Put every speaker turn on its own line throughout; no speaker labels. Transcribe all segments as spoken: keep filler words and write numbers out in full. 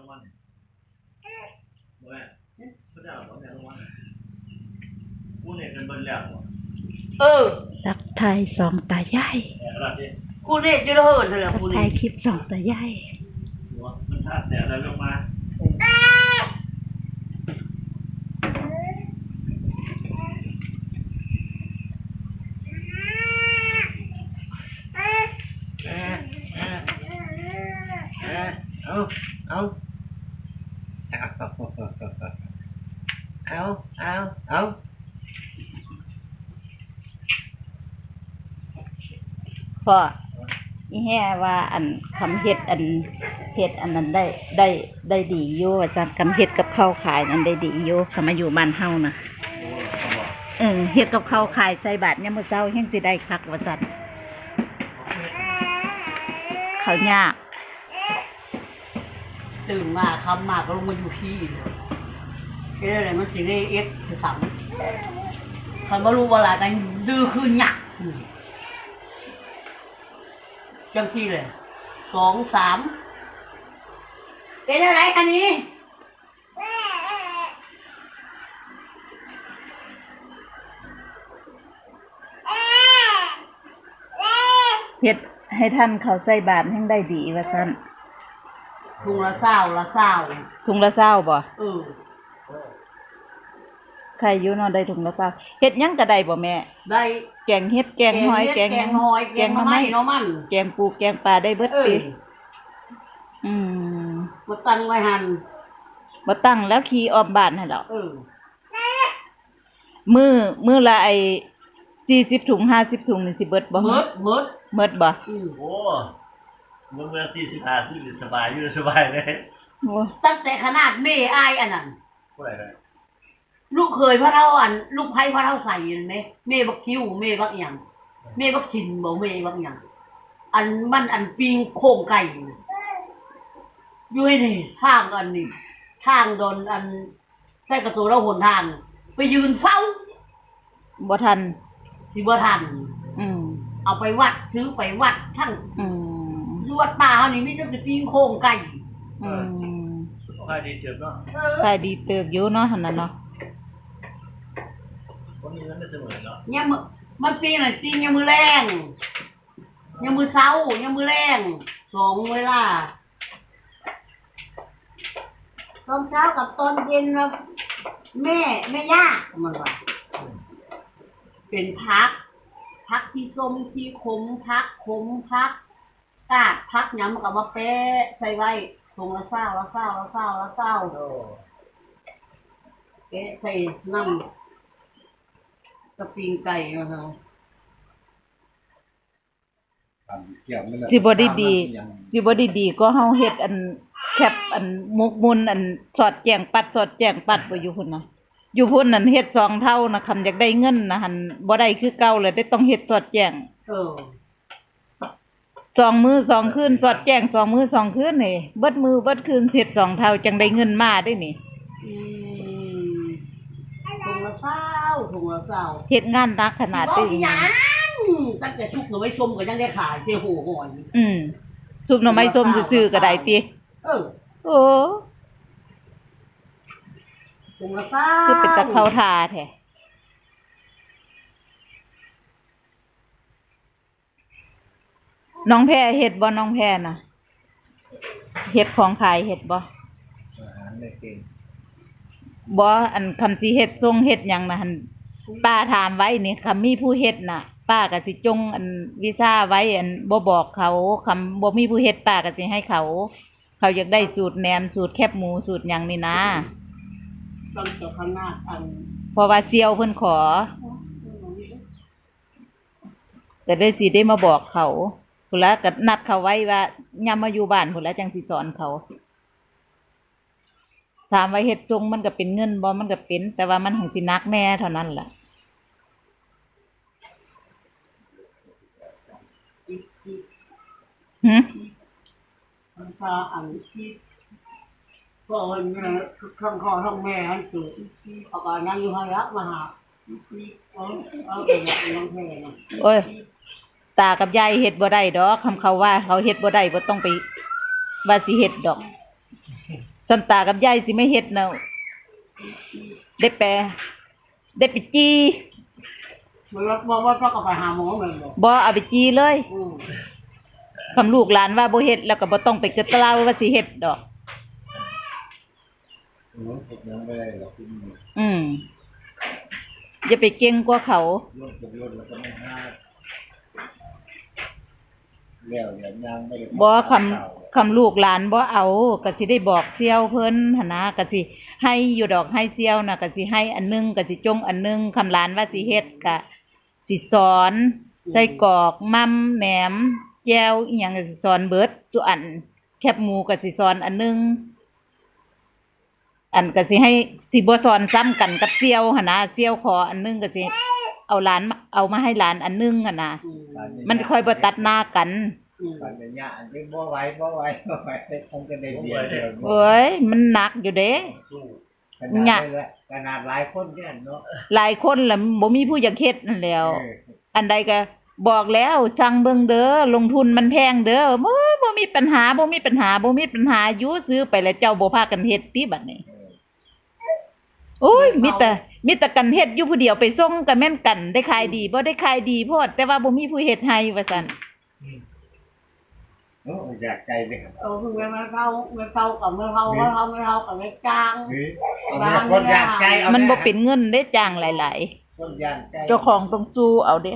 วัลบ่แม่เขาจะเอาของแม่รางวัลกูเนี่ยเป็นเบิ้ลแล้ว
เออ
ทักทายสองตายาย
กูเรียกจะเหินเลยกู
ถ่ายคลิปสองตายาย
มันทัดแต่อะไรลงมาเอาเอาเอาเอาเอา
พ่ออีแห่ว่าอันคำเฮ็ดอันเฮ็ดอันนั้นได้ได้ได้ดีอยู่อาจารย์คำเฮ็ดกับข้าวขายนั้นได้ดีอยู่คำมาอยู่บ้านเฮานะเออเฮ็ดกับข้าวขายใส่บาตรเนี่ยมื้อเช้าเฮงสิได้คักว่าซั่นเขายาก
ตื่นมาคำมาก็ลงมาอยู่ที่เอ๊ะอะไรมันสิได้เอ็กซ์คือสั่งคันบ่รู้ว่าอะไรแต่ดื้อคือหยักจังที่เลยสองสามเป็นอะไรคันนี้
เฮ็ดให้ท่านเขาใส่บาตรแห่งได้ดีว่าซั่น
ถุงละเศร้าละเศร้า
ถุงละเศร้าบ่
เออ
ใครอยู่เนาะได้ถุงละเศร้าเฮ็ดหยังก็ได้บ่แม่
ได้
แกงเฮ็ดแกงหอยแกง
แกงหอยแกงมะม่เนาะมัน
แกงปูแกงปลาได้เบิดติอืม
บ่ตั้งไว้หั่น
บ่ตั้งแล้วขี่ออมบ้านให้แล้ว
เออ
มื้อมื้อละไอ้สี่สิบถุงห้าสิบถุงนี่สิเบิดบ่
หมดหมด
หมดบ่
อือโอ้มื้อละสี่สิบห้าสิบสบายอยู่สบายเลย
โอ้
ตั้งแต่ขนาดแม่อายอันนั้น
บ่ได้เลย
ลูกเคยพระเท่าอันลูกไผ่พระเท่าใส่เห็นไหมเมบักคิ้วเมบักหยังเมบักชินบ่เมบักหยังอันมันอันปิงโค้งไก่อยู่ให้นี่ทางอันนี้ทางโดนอันใส่กระตัวเราหนทางไปยืนเฝ้า
บ่ทัน
สิบ่ทัน
อืม
เอาไปวัดซื้อไปวัดทั้ง
อืม
อยู่วัดป่าเฮานี่มีแต่ปิงโค้งไก่
อืม
ขายดีเติบเนาะ
ขายดีเติบอยู่เนาะหั่นน่ะเนาะ
คนนี้มันไม่เสมอเนาะ
เนี่ยมื้อมันปีน่ะปียามมื้อแรงยามมื้อเช้ายามมื้อแรงสองเวลาตอนเช้ากับตอนเย็นนะแม่แม่ย่ามันว่าเป็นพักพักที่ส้มที่ขมพักขมพักกาดพักหยังมันก็มาแปะใส่ไว้ตรงละเศร้าละเศร้าละเศร้าละเศร้าแกะใส่น้ำกระปิงไก่นะคะ
สิบ่ได้ดีสิบ่ได้ดีก็เฮาเฮ็ดอันแคบอันมุกมุนอันสอดแจงปัดสอดแจงปัดบ่อยู่พุ่นน่ะอยู่พุ่นนั่นเฮ็ดสองเท่านะคันอยากได้เงินนะหั่นบ่ได้คือเก่าเลยได้ต้องเฮ็ดสอดแจง
เออ
สองมื้อสองคืนสอดแจงสองมื้อสองคืนนี่เบิดมื้อเบิดคืนเฮ็ดสองเท่าจังได้เงินมาได้นี่
อืมถุงละเศร้าถุงละเศร้า
เฮ็ดงานหนักขนาดนี้
หยังตั้งแต่ชุบหน่อไม้ส้มก็ยังได้ขายเสียโหหอย
อืมซุปหน่อไม้ส้มซื่อๆก็ได้ติ
เออ
โอ้
ถุงละเศร้า
คือเป็นตะเข้าทาแท้น้องแพรเฮ็ดบ่น้องแพรน่ะเฮ็ดของขายเฮ็ดบ่บ่อันคำสิเฮ็ดส่งเฮ็ดหยังน่ะหั่นป้าถามไว้นี่คำมีผู้เฮ็ดน่ะป้าก็สิจงอันวีซ่าไว้อันบ่บอกเขาคำบ่มีผู้เฮ็ดป้าก็สิให้เขาเขาอยากได้สูตรแหนมสูตรแคบหมูสูตรหยังนี่นะ
ต้องเจ้าคณะอัน
เพราะว่าเซียวเพิ่นขอก็ได้สิได้มาบอกเขาพุ่นละก็นัดเขาไว้ว่ายามมาอยู่บ้านพุ่นละจังสิสอนเขาถามว่าเฮ็ดทรงมันก็เป็นเงินบ่มันก็เป็นแต่ว่ามันหังสิหนักแน่เท่านั้นล่ะหึ
มันพาอันที่พ่อแม่ทั้งพ่อทั้งแม่ให้ตื่นเอาการนั่งอยู่ให้ละมาหาเอาเอาไปอย่างน้องแพรนะ
โอ้ยตากับยายเฮ็ดบ่ได้ดอกคำเขาว่าเขาเฮ็ดบ่ได้บ่ต้องไปว่าสิเฮ็ดดอกสันตากับยายสิไม่เฮ็ดเนาะได้แปลได้ไปจี
มันว่าว่าว่าก็ไปหาหมอเหมือนกัน
บ่เอาไปจีเลย
อืม
คำลูกหลานว่าบ่เฮ็ดแล้วก็บ่ต้องไปกระตลาว่าสิเฮ็ดดอก
อืมเฮ็ดยังไม่ได้หรอกคุณ
อืมอย่าไปเก่งกว่าเขา
รถกับรถแล้วก็ไม่ห้าแล้วเดี๋ยวยังไม่ได้
บ่คำคำลูกหลานบ่เอาก็สิได้บอกเสี่ยวเพิ่นหั่นนะก็สิให้อยู่ดอกให้เสี่ยวน่ะก็สิให้อันหนึงก็สิจงอันหนึงคำหลานว่าสิเฮ็ดก็สิสอนใส่กรอกมัมแหนมแจ่วอีหยังก็สิสอนเบิดจุอันแคบหมูก็สิสอนอันหนึงอันก็สิให้สิบ่สอนซ้ำกันกับเสี่ยวหั่นนะเสี่ยวขออันหนึงก็สิเอาหลานมาเอามาให้หลานอันหนึงหั่นน่ะ
อืม
มันค่อยบ่ตัดหน้ากัน
อืม
ปัญญาอันนี้บ่ไหวบ่ไหวบ่ไหวคงจะได้เดียวเดียว
เอ้ยมันหนักอยู่เด้
สู้ขนาดนี้แหละขนาดหลายคนเนี่ยเนาะ
หลายคนล่ะบ่มีผู้อยากเฮ็ดนั่นแหล้ว
เออ
อันใดก็บอกแล้วสั่งเบิ่งเด้อลงทุนมันแพงเด้อบ่บ่มีปัญหาบ่มีปัญหาบ่มีปัญหาอยู่ซื้อไปแล้วเจ้าบ่พากันเฮ็ดติบัดนี้
เออ
โอ้ยมีแต่มีแต่กันเฮ็ดอยู่ผู้เดียวไปส่งก็แม่นกันได้ขายดีบ่ได้ขายดีโพดแต่ว่าบ่มีผู้เฮ็ดให้ว่าซั่น
โอ้อยากใจเลยครับ
เออคือเมื่อเข้าเมื่อเข้ากับเมื่อเข้าเมื่อเข้าเมื่อเข้ากับเมื่อกลาง
เฮ้ยเอาคนอยากใจเอา
มัน
แ
บ่เป็นเงินได้จ้างหลาย
คนอยากใจ
ๆ เจ้าของต้องสู้เอาเด้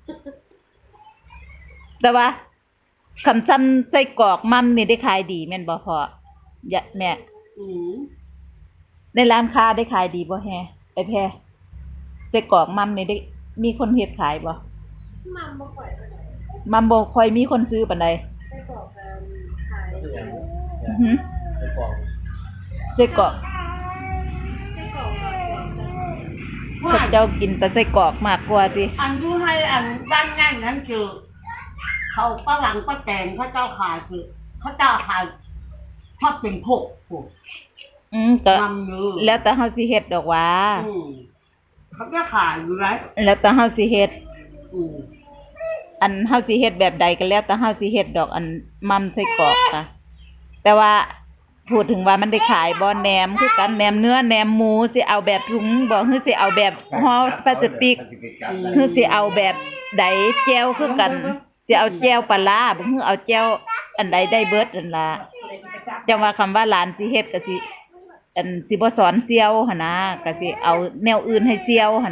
แต่ว่าคำซ้ำไส้กรอกมัมนี่ได้ขายดีแม่นบ่พ่อย่าแม่
อืม
ในร้านค้าได้ขายดีบ่แฮไอ้แพรไส้กรอกมัมนี่ได้มีคนเฮ็ดขายบ่
มัมบ่ค่อยเท่าไหร่
มัมบ่ค่อยมีคนซื้อปานใด
ไส้กรอกกันขาย
อือหือ
ไปกล่อง
ไส้กรอก
ไส้กรอกกับกรอกกัน
พวกเจ้ากินแต่ไส้กรอกมากกว่าติ
อันที่ให้อันด้านง่ายนั้นคือเขาป้าหลังป้าแตงเขาเจ้าขายคือเขาเจ้าขายทอดเป็นพกโอ้
อืมก็
นำเนื้อ
แล้วแต่เฮาสิเฮ็ดดอกหว่า
อืมเขาจะขายอยู่ไร
แล้วแต่เฮาสิเฮ็ด
อืม
อันเฮาสิเฮ็ดแบบใดก็แล้วแต่เฮาสิเฮ็ดดอกอันมัมไส้กรอกค่ะ แต่ว่าพูดถึงว่ามันได้ขายบ่แหนมคือกันแหนมเนื้อแหนมหมูสิเอาแบบถุงบ่คือสิเอาแบบห่อพลาสติกคือสิเอาแบบใดแจ่วคือกันสิเอาแจ่วปลาร้าบ่คือเอาแจ่วอันใดได้เบิดนั่นล่ะจังว่าคำว่าหลานสิเฮ็ดก็สิอันสิบ่สอนเสี่ยวหั่นนะก็สิเอาแนวอื่นให้เสี่ยวหั่น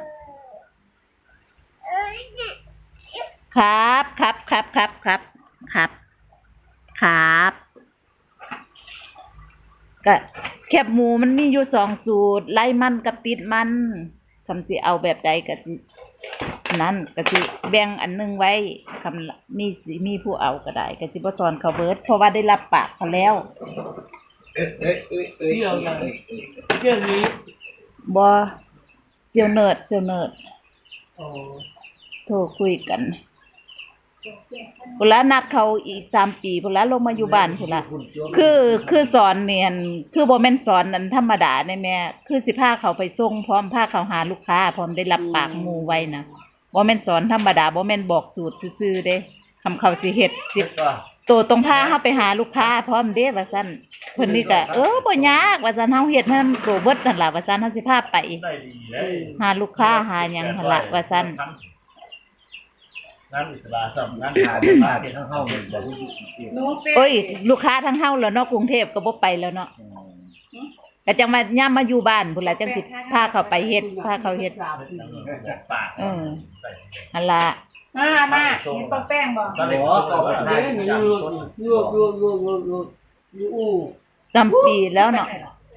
นะครับครับครับครับครับครับครับก็แคบหมูมันมีอยู่สองสูตรไล่มันกับติดมันคำสิเอาแบบใดก็สินั่นก็สิแบ่งอันหนึงไว้คำมีสิมีผู้เอาก็ได้ก็สิบ่สอนเขาเบิดเพราะว่าได้รับปากเขาแล้ว
เอ้ยเอ้ยเอ้ยเอ้ยเอ้ย
เรื่องนี้
บ่เซียวเนิร์ดเซียวเนิร์ด
โอ้
โทรคุยกันพุ่นละนัดเขาอีกสามปีพุ่นละลงมาอยู่บ้านพุ่นละคือคือสอนเนียนคือบ่แม่นสอนอันธรรมดาได้แม่คือสิพาเขาไปส่งพร้อมพาเขาหาลูกค้าพร้อมได้รับปากหมู่ไว้นะบ่แม่นสอนธรรมดาบ่แม่นบอกสูตรซื่อๆเด้คำเขาสิเฮ็ดสิโตตรงพาเฮาไปหาลูกค้าพร้อมเด้ว่าซั่นเพิ่นนี่ก็เออบ่ยากว่าซั่นเฮาเฮ็ดให้มันโตเบิดนั่นล่ะว่าซั่นเฮาสิพาไป
ได้ดีเลย
หาลูกค้าหาหยังหั่นล่ะว่าซั่น
งานอิสระสำนักงานมาที่ทั้งห้องเลยบอกว่าอยู่ที่
หนูเป็น
โอ้ยลูกค้าทั้งเฮาแล้วเนาะกรุงเทพก็บ่ไปแล้วเนาะก็จังว่ายามมาอยู่บ้านพุ่นล่ะจังสิพาเขาไปเฮ็ดพาเขาเฮ็ด
ปาก
เออหั่นล่ะ
มามามีปลาแป้งบ่
ตอนนี้ก็ไป
เดี๋ยวนี้เยอะเยอะเยอะเยอะเยอะเยอะอยู่อู้
จำปีแล้วเนาะ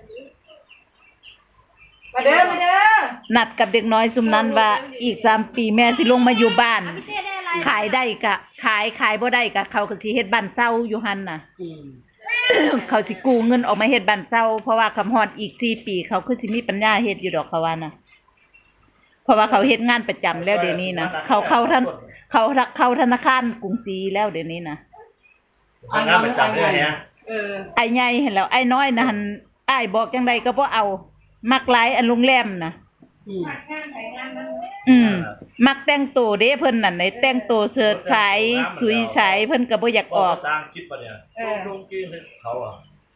มาเด้อมาเด้อ
นัดกับเด็กน้อยซุมนั้นว่าอีกสามปีแม่สิลงมาอยู่บ้าน
พี่เต้ได้อะไร
ขายได้ก็ขายขายบ่ได้ก็เขาก็สิเฮ็ดบ้านเช่าอยู่หั่นน่ะ
อืม
เขาสิกู้เงินออกมาเฮ็ดบ้านเช่าเพราะว่าคำฮอดอีกสี่ปีเขาคือสิมีปัญญาเฮ็ดอยู่ดอกเขาว่านะเพราะว่าเขาเฮ็ดงานประจำแล้วเดี๋ยวนี้นะเขาเข้าท่านเขาเข้าธนาคารกรุงศรีแล้วเดี๋ยวนี้นะ
ทำงานประจำด้วยเนี่ย
เออ
ไอ้ใหญ่เห็นแล้วไอ้น้อยนะหั่นอ้ายบอกจังไดก็บ่เอามักหลายอันโรงแรมนะ
อืม
งานไหนงานนั้น
อืมมักแต่งตัวเด้เพิ่นนั่นไหนแต่งตัวเสื้อฉายสุยฉายเพิ่นก็บ่อยากออก
สร้างคลิปปะเนี่ย
เออ
ลงกินเขาอ่ะ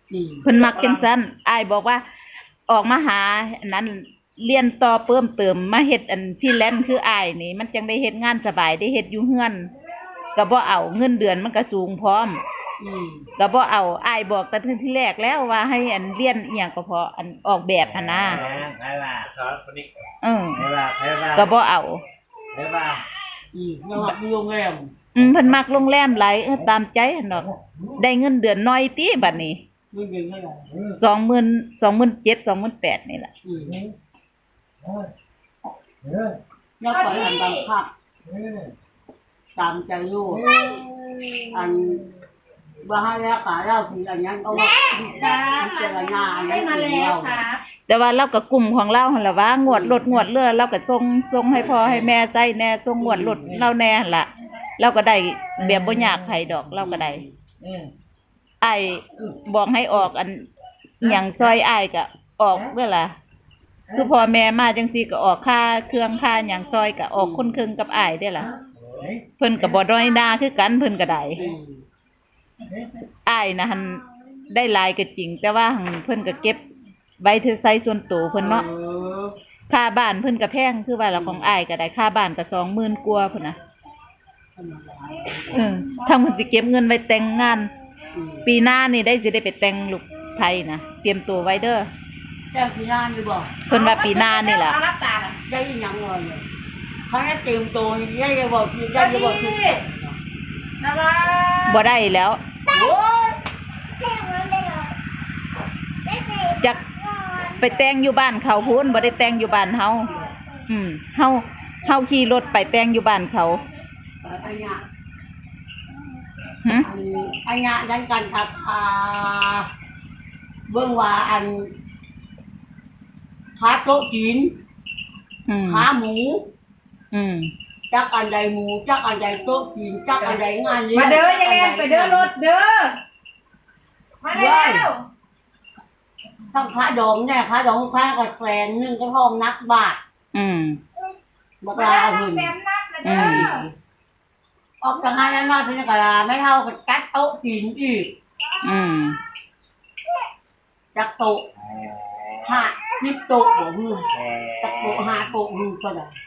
อืม
เพิ่นมักจังซั่นอ้ายบอกว่าออกมาหาอันนั้นเรียนต่อเพิ่มเติมมาเฮ็ดอันฟรีแลนซ์คืออ้ายนี่มันจังได้เฮ็ดงานสบายได้เฮ็ดอยู่เฮือนก็บ่เอาเงินเดือนมันก็สูงพร้อม
อืม
ก็บ่เอาอ้ายบอกแต่ที่แรกแล้วว่าให้อันเรียนอีหยังก็พออันออกแบบหั่นนะ
ใครว่าครับคนนี้
เออ
ใครว่าใครว่า
ก็บ่เอา
ใครว่า
อืมแล้วว่าอยู่โรงแรม
อืมเพิ่นมักโรงแรมหลายเออตามใจหั่นดอกได้เงินเดือนน้อยติบัดนี้
ไม่เป็นเท่าไหร่
สองหมื่น สองหมื่นเจ็ด สองหมื่นแปดนี่ล่ะ
อืม
เออ
แล้วไปอันบังคับตามใจลูกอันว่าให้แล้วกะเราคืออันนั้นเอาว่าพิจารณาอัน
ได้
นั้น
มา
คือ
แล้ว
เรา
ครับ
แต่ว่าเราก็กลุ่มของเราหั่นล่ะว่างวดรถงวดเรือเราก็ส่งส่งให้พ่อให้แม่ใช้แน่ส่งงวดรถเราแน่หั่นล่ะเราก็ได้แบบบ่ยากไผดอกเราก็ได้
อืม
อ้ายบอกให้ออกอันอิหยังซอยอ้ายก็ออกเด้อล่ะคือพ่อแม่มาจังซี่ก็ออกค่าเครื่องค่าหยังซอยก็ออกคนครึ่งกับอ้ายเด้อล่ะเพิ่นก็บ่ด้อยหน้าคือกันเพิ่นก็ได้
อืม
อ้ายนะหั่นได้หลายก็จริง แต่ว่าหั่นเพิ่นก็เก็บไว้ถือใช้ส่วนตัวเพิ่นเนาะ
ออ
ค่าบ้านเพิ่นก็แพงคือว่าละของอ้ายก็ได้ค่าบ้านก็สองหมื่นกว่าพุ่นน่ะเออถ้าเพิ่นสิเก็บเงินไว้แต่งงาน
อืม
ปีหน้านี่ได้สิได้ไปแต่งลูกไผนะเตรียมตัวไว้เด้อ
แต่ปีหน้านี่บอก
เพิ่นว่าปีหน้านี่ล่ะ
เอารับตาล่ะ
ได้ยินยังเลยเนี่ยเขาให้เตรียมตัวได้จะบอกคือได้จะบอกคือ
นะว่า
บ่ได้แล้ว
โอ้ย
จักไปแต่งอยู่บ้านเขาพูนบ่ได้แต่งอยู่บ้านเฮาอืมเฮาเฮาขี่รถไปแต่งอยู่บ้านเขา
ไอ้เนี่ย
หึ
อันไอ้เนี่ยยันกันครับอ่าเบื้องว่าอันขาโต๊ะจีน
อืม
ขาหมู
อืม
จักอันใดหมูจักอันใดโต๊ะจีนจักอันใดงานลี้ยง
มาเด้อยังไงไปเด้อรถเด้อมาแล้ว
ทั้งขาดองเนี่ยขาดองขากับแสนหนึ่งก็ทองนักบาท
อืม
บัก
มา
ลา
แล้ว
เอาเงิน
แซมนักนะเด้
อื
อ
ม
ออกจากงานนั้นมาเป็นกะลาไม่เท่ากับจัดโต๊ะจีนอีก
อืม
จักโต๊ะห้าสิบโต๊ะบ่ฮึ
แชร์
จักโต๊ะห้าโต๊ะฮึก็ได้
แ